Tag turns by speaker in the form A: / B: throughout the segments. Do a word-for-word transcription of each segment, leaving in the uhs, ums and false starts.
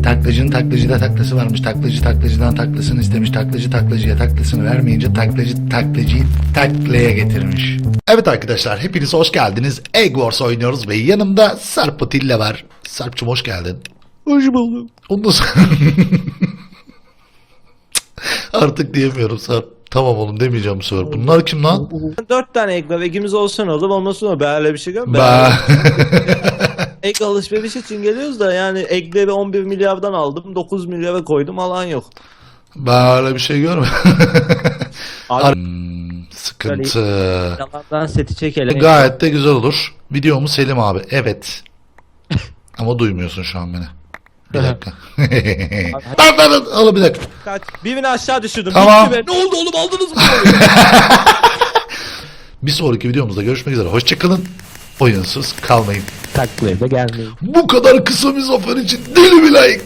A: Taklacının taklacıda taklası varmış. Taklacı taklacıdan taklasını istemiş. Taklacı taklacıya taklasını vermeyince taklacı taklacıyı taklaya getirmiş. Evet arkadaşlar, hepiniz hoş geldiniz. Egg Wars oynuyoruz ve yanımda Sarp Atilla var. Sarp'cığım hoş geldin.
B: Hoş buldum.
A: Ondan sonra... Artık diyemiyorum Sarp. Tamam oğlum demeyeceğim bu sefer. Bunlar kim lan?
B: Dört tane egg var. Eggimiz olsun oğlum. Ondan sonra böyle bir şey gör.
A: Ba.
B: Egg alışveriş için geliyoruz da yani eggleri on bir milyardan aldım. dokuz milyara koydum. Alan yok.
A: Böyle bir şey görme.
B: Abi
A: Hmm, sıkıntı.
B: yalandan seti çekelim.
A: Gayet de güzel olur. Video mu Selim abi? Evet. Ama duymuyorsun şu an beni. Bir dakika. Lan lan lan. Oğlum bir dakika.
B: Kaç. Birini aşağı düşürdüm.
A: Tamam.
B: Bitti be. Ne oldu oğlum, aldınız mı?
A: Bir sonraki videomuzda görüşmek üzere. Hoşçakalın. Oyunsuz kalmayın.
B: Taklaya da gelmeyin.
A: Bu kadar kısa bir zafer için deli bir like.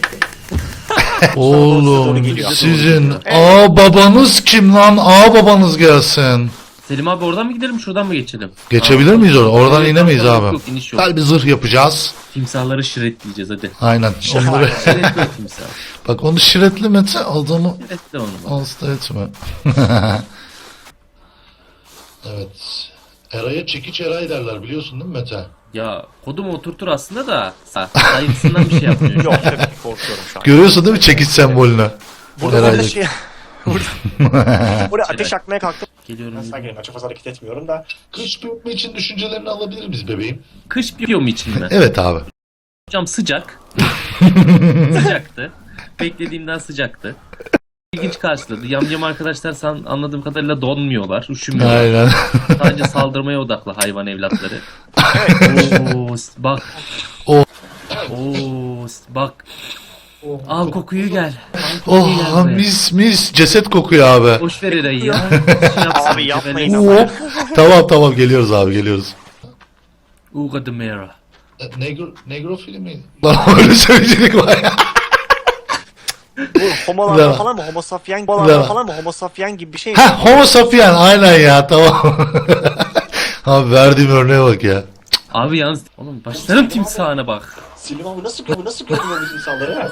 A: Oğlum sizin aa babanız kim lan? Aa babanız gelsin.
C: Selim abi oradan mı gidelim, şuradan mı geçelim?
A: Geçebilir miyiz oradan? Oradan
C: Yok,
A: inemeyiz
C: yok,
A: abi.
C: yok, iniş yok.
A: Gel bir zırh yapacağız.
C: Timsahları şiretleyeceğiz hadi.
A: Aynen. Onları...
C: Şiretli o timsah.
A: Bak onu şiretlemetse adamı
C: Şiretli onu bak.
A: hasta etme. Evet. Eray'a çekiç Eray derler biliyorsun değil mi Mete?
C: Ya kodumu oturtur aslında da sayısından bir şey yapmıyor.
D: Yok tabii ki korkuyorum şu an.
A: Görüyorsun değil mi çekiç sembolünü?
D: Burada
A: Herhalde.
D: burada şey... Burada, burada ateş yakmaya kalktım.
C: Geliyorum.
D: Ben sakin açık fazla hareket etmiyorum da.
A: Kış büyütme için düşüncelerini alabilir miyiz bebeğim?
C: Kış biyomu için mi?
A: Evet abi.
C: Hocam sıcak. Sıcaktı. Beklediğimden sıcaktı. İlginç karşıladı. Yamyam arkadaşlar san, anladığım kadarıyla donmuyorlar, üşümüyorlar.
A: Aynen.
C: Sadece saldırmaya odaklı hayvan evlatları. Oo, bak.
A: O.
C: Oo, bak. Al kokuyu gel. Al kokuyu gel
A: Oh
C: buraya.
A: mis mis ceset kokuyor abi.
C: Boş ver Eray'ı ya. Şey yapsın,
D: Abi yapmayın
C: cebelleşsin.
D: ama.
A: Tamam tamam geliyoruz abi geliyoruz.
C: Uga de Mera.
A: Negro, negro filmi. Lan öyle söyleyecek var ya.
D: Bu homolar
A: Bravo.
D: falan mı? Homo sapien
A: Bravo.
D: homolar falan mı? Homo sapien gibi bir şey mi?
A: Ha homo sapien aynen ya tamam. Abi verdiğim örneğe bak ya.
C: Abi yalnız oğlum başlarım timsahına bak.
D: Selim abi nasıl görüyor? Nasıl görüyor biz insanları?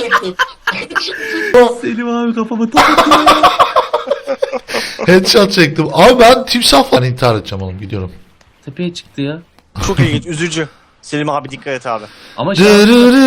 C: Selim abi kafama takıyor.
A: Headshot çektim. Abi ben timsah falan intihar edeceğim oğlum gidiyorum.
C: Tepeye çıktı ya.
D: Çok ilginç, üzücü. Selim abi dikkat et abi.
C: Ama şey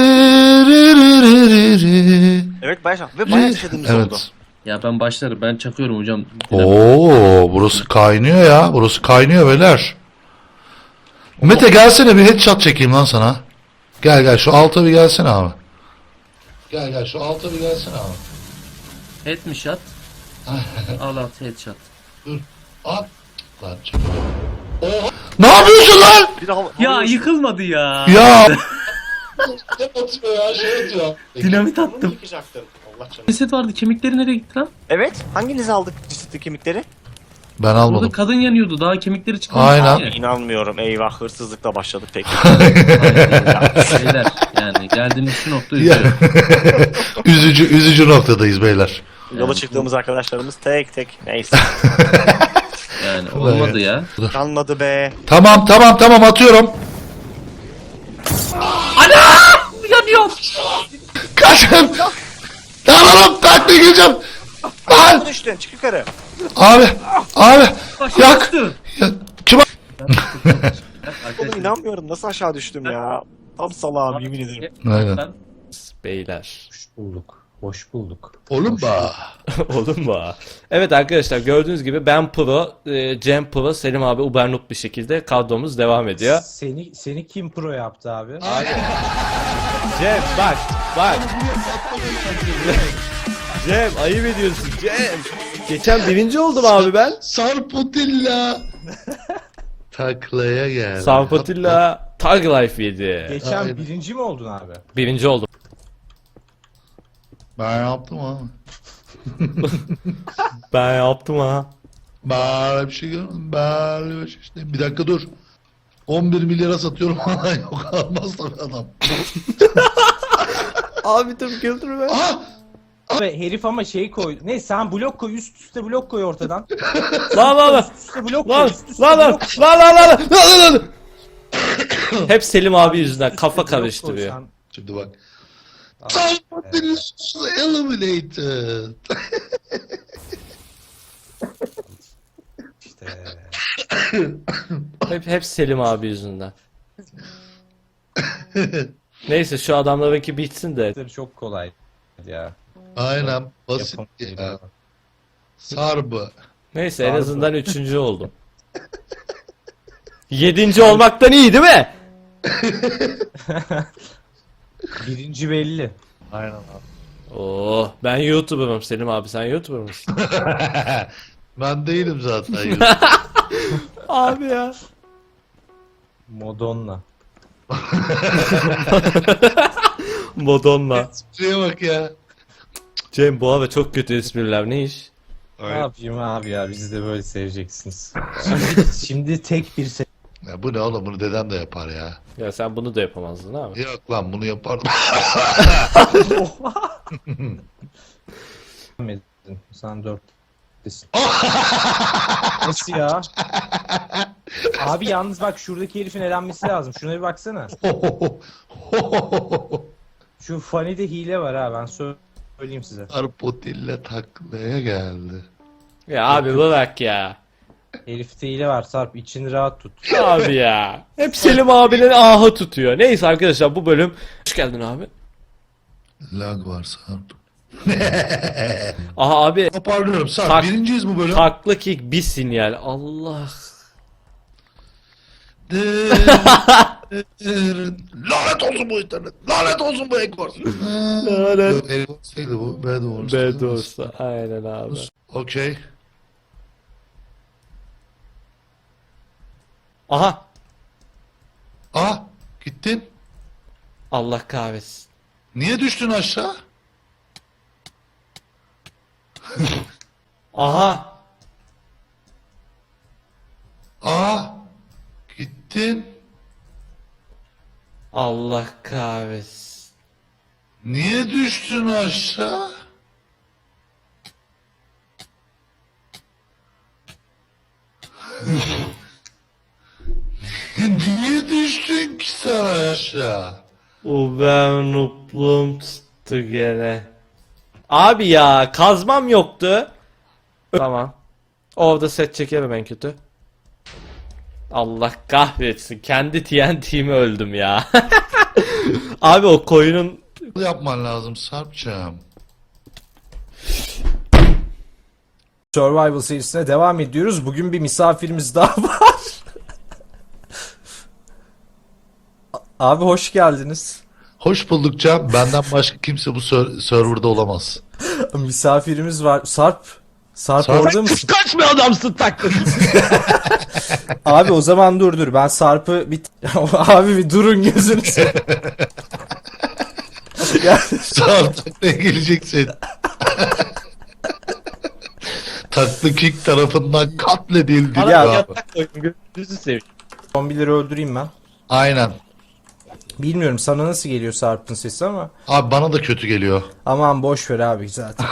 D: Evet bayağı ve bayağı yaşadığımız oldu.
A: Evet.
C: ya ben başlarım, ben çakıyorum hocam.
A: Oo burası kaynıyor ya. Burası kaynıyor beyler. Mete gelsene bir headshot çekeyim lan sana. Gel gel şu alta bir gelsene abi. Gel gel şu alta bir gelsene abi.
C: Head mi shot? Al at headshot.
A: Dur. At. Lan çek. Oha. Ne yapıyorsun lan?
D: Bir de hava,
C: Ya
D: hava-
C: yıkılmadı ya.
A: Ya. Ne atıyor ya şey atıyor.
C: Dinamit
D: Bunu
C: attım.
D: yıkacaktım. Allah canım.
C: Ceset vardı, kemikleri nereye gitti lan?
D: Evet. Hanginiz aldık cesetli kemikleri?
A: Ben
C: Orada
A: almadım.
C: kadın yanıyordu, daha kemikleri çıkmamış.
A: Aynen.
C: ki.
D: İnanmıyorum. Eyvah hırsızlıkla başladık peki.
C: Beyler yani geldiğimiz şu nokta
A: Ya.
C: üzüyor.
A: üzücü üzücü noktadayız beyler.
D: Yola çıktığımız arkadaşlarımız tek tek. Neyse.
C: Yani olmadı ya.
D: Kalmadı be.
A: Tamam tamam tamam atıyorum.
C: Yanıyor.
A: Kaçın. Tamam takla gireceğim. Lan.
D: Düştün çık yukarı.
A: Abi. Abi.
C: Başım
A: Yak.
C: düştü.
A: Ya, kim?
D: Oğlum inanmıyorum nasıl aşağı düştüm ya. Tam salağım yemin ederim.
A: Aynen.
C: Ben-
E: Beyler.
F: Hoş bulduk. Hoş bulduk.
A: Oğlum ba.
E: Olur mu? Evet arkadaşlar gördüğünüz gibi ben pro, e, Cem pro, Selim abi Ubernut bir şekilde kadromuz devam ediyor.
F: Seni seni kim pro yaptı abi?
E: Cem bak bak. Cem ayıp ediyorsun Cem. Geçen birinci oldum abi ben.
A: Sarpotilla. Taklaya gel.
E: Sarpatilla Tag Life yedi.
F: Geçen
A: Aynen.
F: birinci mi oldun abi?
E: Birinci oldum.
A: Ben yaptım ha.
E: Ben yaptım ha.
A: Böyle bir şey görmedim. Böyle bir şey işte. Bir dakika dur. on bir milyara satıyorum hala yok almaz tabii adam.
E: Abi dur güldürme.
A: Aha!
F: Ve herif ama şey koy. Ne sen blok koy, üst üste blok koy ortadan.
E: Lan lan lan.
F: Üst üste blok koy.
E: Lan
F: Üst üste
E: lan lan
F: blok koy.
E: lan lan lan lan lan lan. Hep Selim abi yüzünden
F: Üst
E: kafa
F: üste blok koy
E: karıştırıyor.
F: sen.
A: Şimdi bak. Somebody was eliminated.
F: İşte.
E: Hep, hep Selim abi yüzünden. Neyse şu adamlarınki bitsin de.
F: Çok kolay ya.
A: Aynen basit
F: Yapam-
A: ya. Sarbı.
E: Neyse en
F: Harbi.
E: azından üçüncü oldum. Yedinci olmaktan iyi değil mi?
F: Birinci belli.
D: Aynen abi.
E: Oo, ben YouTuber'ım Selim abi, sen YouTuber mısın?
A: Ben değilim zaten.
E: Abi ya.
F: Madonna.
E: Madonna.
A: Şuraya bak ya.
E: Cem bu abi çok kötü espriler, ne iş?
F: Ne yapayım abi ya, bizi de böyle seveceksiniz. Şimdi, şimdi tek bir
A: Ya bu ne oğlum, bunu dedem de yapar ya.
E: Ya sen bunu da yapamazdın abi.
A: Yok lan, bunu yapardım.
F: sevmedin. Sen dörttesin. Nasıl ya? Abi yalnız bak, şuradaki herifin elenmesi lazım. Şuna bir baksana. Şu Funny'de hile var ha, ben söyleyeyim size.
A: Arpotille taklaya geldi.
E: Ya abi bırak ya.
F: Herifte hile var Sarp, içini rahat tut.
E: Abi ya. Hep Selim abinin ahı tutuyor. Neyse arkadaşlar, bu bölüm... Hoş geldin abi.
A: Lag var Sarp.
E: Aha abi.
A: Toparlıyorum Sarp.
E: Tak-
A: Birinciyiz bu bölüm.
E: Takla kick bir sinyal. Allah.
A: Lanet olsun bu internet. Lanet olsun bu Eggwars.
E: Lanet.
A: Eggwars değildi bu. Bad Wars.
E: Bad olsa. Aynen abi.
A: Okey.
E: Aha.
A: Ah, gittin.
E: Allah kahretsin.
A: Niye düştün aşağı?
E: Aha.
A: Ah, gittin.
E: Allah kahretsin.
A: Niye düştün aşağı? Niye düştün ki sen aşağı?
E: O ben nupluğum tuttu gene. Abi ya kazmam yoktu. Tamam. Orada set çekerim en kötü. Allah kahretsin. Kendi T N T'mi öldüm ya. Abi o koyunun...
A: Yapman lazım Sarp'cığım.
F: Survival serisine devam ediyoruz. Bugün bir misafirimiz daha var. Abi hoş geldiniz.
A: Hoş bulduk Can. Benden başka kimse bu ser- serverda olamaz.
F: Misafirimiz var. Sarp. Sarp,
A: Sarp.
F: orada mısın?
E: Kaç bir adamsın taklın.
F: Abi o zaman dur dur. Ben Sarp'ı bir... Abi bir durun gözünü seveyim. Ya,
A: Sarp taklaya geleceksin. Taklı kick tarafından katledildi.
F: Ya-
A: Ya,
E: Yatak koydum. Gözünüzü seveyim.
F: zombileri öldüreyim ben.
A: Aynen.
F: Bilmiyorum sana nasıl geliyor Sarp'ın sesi ama.
A: Abi bana da kötü geliyor.
F: Aman boş ver abi zaten.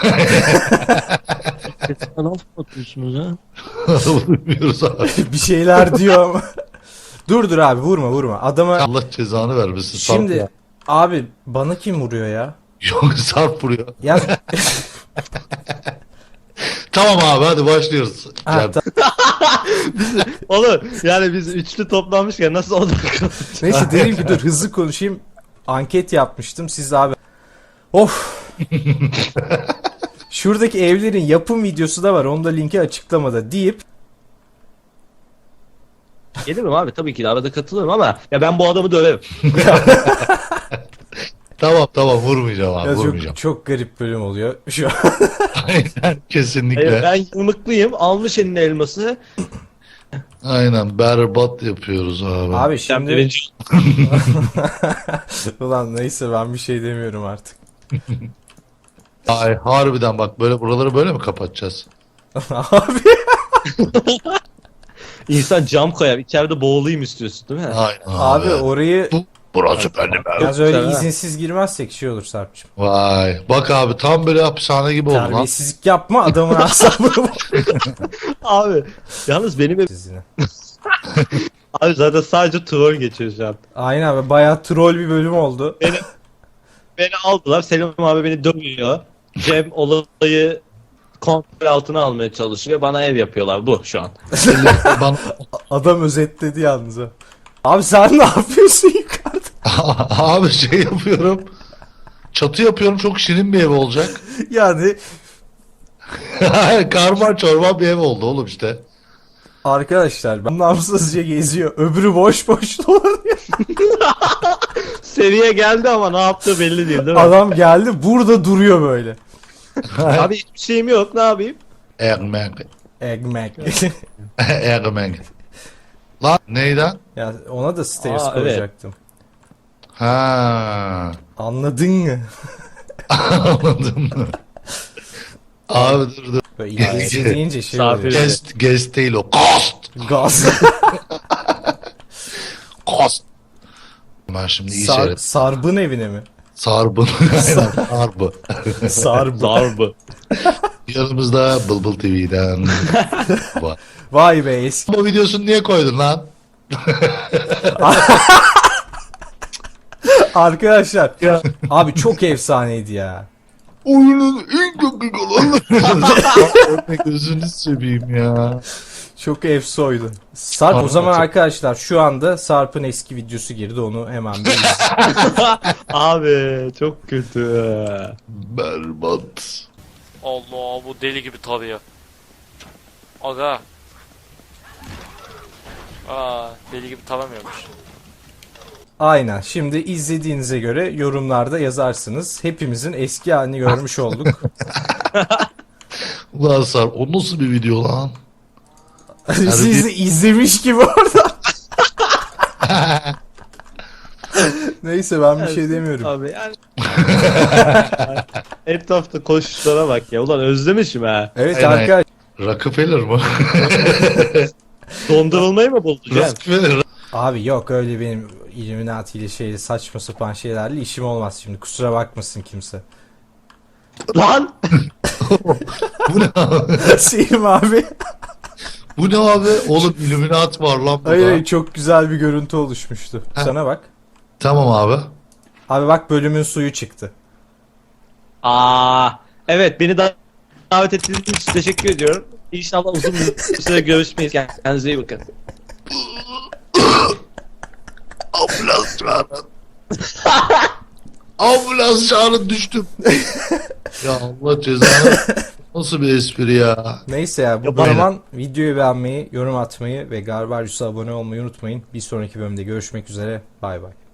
B: Nasıl atıyorsunuz ha?
A: Bilmiyoruz abi.
F: Bir şeyler diyor ama. Dur dur abi, vurma vurma. Adama
A: Allah cezanı vermesin. Sarp
F: şimdi
A: ya.
F: abi bana kim vuruyor ya?
A: Yok, Sarp vuruyor.
F: Ya
A: Tamam abi, hadi başlıyoruz.
F: Ha,
A: Can.
F: ta-
B: Oğlum yani biz üçlü toplanmışken nasıl odak
F: neyse dedim ki dur hızlı konuşayım. Anket yapmıştım siz abi. Of. Şuradaki evlerin yapım videosu da var. Onu da linki açıklamada deyip
B: Gelirim abi, tabii ki de arada katılırım ama ya ben bu adamı döverim.
A: Tamam tamam, vurmayacağım abi,
F: ya
A: vurmayacağım.
F: çok, çok garip bölüm oluyor şu an.
A: Aynen, kesinlikle.
B: Hayır, ben yumrukluyum, almış eline elması.
A: Aynen, berbat yapıyoruz abi.
F: Abi
B: Ben
F: şimdi
B: birinci.
F: ulan neyse ben bir şey demiyorum artık.
A: Ay harbiden bak, böyle buraları böyle mi kapatacağız?
F: Abi
B: İnsan cam koyar, içeride boğulayım istiyorsun değil mi?
A: Aynen
F: abi
A: abi.
F: orayı
A: Bu, burası benim ev.
F: yalnız öyle
B: güzel ha.
F: izinsiz girmezsek şey olur Sarp'cığım.
A: Vay. Bak abi, tam böyle hapishane gibi oldu lan.
F: Terbiyesizlik yapma, adamın asabını bozma.
B: Abi yalnız benim ev...
F: Siz yine.
B: Abi zaten sadece troll geçiyor şu an.
F: Aynen abi, bayağı troll bir bölüm oldu.
E: Beni aldılar. Selim abi beni dövüyor. Cem olayı kontrol altına almaya çalışıyor. Bana ev yapıyorlar. Bu şu an.
A: Bana...
G: Adam özetledi yalnız ha. Abi sen ne yapıyorsun yukarıda?
A: Abi şey yapıyorum. Çatı yapıyorum, çok şirin bir ev olacak.
G: Yani
A: Karman çorman bir ev oldu oğlum işte.
G: arkadaşlar ben namsızca geziyor. Öbürü boş boş dolanıyor.
E: Seviye geldi ama ne yaptığı belli değil değil mi?
G: Adam geldi burada duruyor böyle.
E: Abi hiçbir şeyim yok. Ne yapayım?
A: Ekmek.
G: Ekmek.
A: Ekmek. Lan neyden?
G: Ya ona da stairs
E: Aa, evet.
G: koyacaktım.
A: Ha.
G: Anladın mı?
A: Anladın mı? Abi dur dur.
G: Böyle İngilizce deyince şey
E: Misafir.
G: oluyor.
A: Guest, guest değil o. Cost.
G: Gaz.
A: Cost. Ben şimdi iyi
G: Sar,
A: seyret.
G: Sarbın evine mi?
A: Sarbın. Aynen, Sarbı.
G: Sarbın.
E: Zarbı.
A: Yanımızda Bılbıl T V'den. var.
G: Vay be eski.
A: Bu videosunu niye koydun lan?
G: Arkadaşlar. Abi çok efsaneydi ya.
A: Oyunun en kötü olanı. Örnek gözünü seveyim ya.
G: Çok efsoydu. Sarp o zaman arkadaşlar şu anda Sarp'ın eski videosu girdi, onu hemen bir izleyin.
E: Abi çok kötü.
A: Berbat.
H: Allah, bu deli gibi tarıyor. Aga. Aa, deli gibi taramıyormuş.
G: Aynen. Şimdi izlediğinize göre yorumlarda yazarsınız. Hepimizin eski halini görmüş olduk.
A: Ulan Sarp, o nasıl bir video lan?
G: Siz de izlemiş gibi orada. Neyse ben bir şey demiyorum.
E: Abi yani. Etrafta koşuşlara bak ya. Ulan özlemişim ha.
G: Evet
A: Aynen.
G: arkadaşlar.
A: Rockefeller mı?
E: Dondurulmayı mı buldun Cem?
A: Rockefeller.
G: Abi yok öyle benim Illuminati ile şeyle saçma sapan şeylerle işim olmaz şimdi. Kusura bakmasın kimse.
E: Lan!
A: Bu ne abi?
G: Selim abi.
A: Bu ne abi? Oğlum Illuminati var lan burada.
G: Hayır hayır, çok güzel bir görüntü oluşmuştu.
A: Ha.
G: Sana bak.
A: Tamam abi.
G: Abi bak bölümün suyu çıktı.
E: Aa, evet beni da davet ettiğiniz için teşekkür ediyorum. İnşallah uzun bir süre görüşmeyiz. Kendinize iyi bakın.
A: Ambulans çağırın. Ambulans çağırın, düştüm. Ya Allah cezanı. Nasıl bir espri ya?
G: Neyse ya bu
A: Aynen.
G: zaman videoyu beğenmeyi, yorum atmayı ve Garbarius'a abone olmayı unutmayın. Bir sonraki bölümde görüşmek üzere. Bay bay.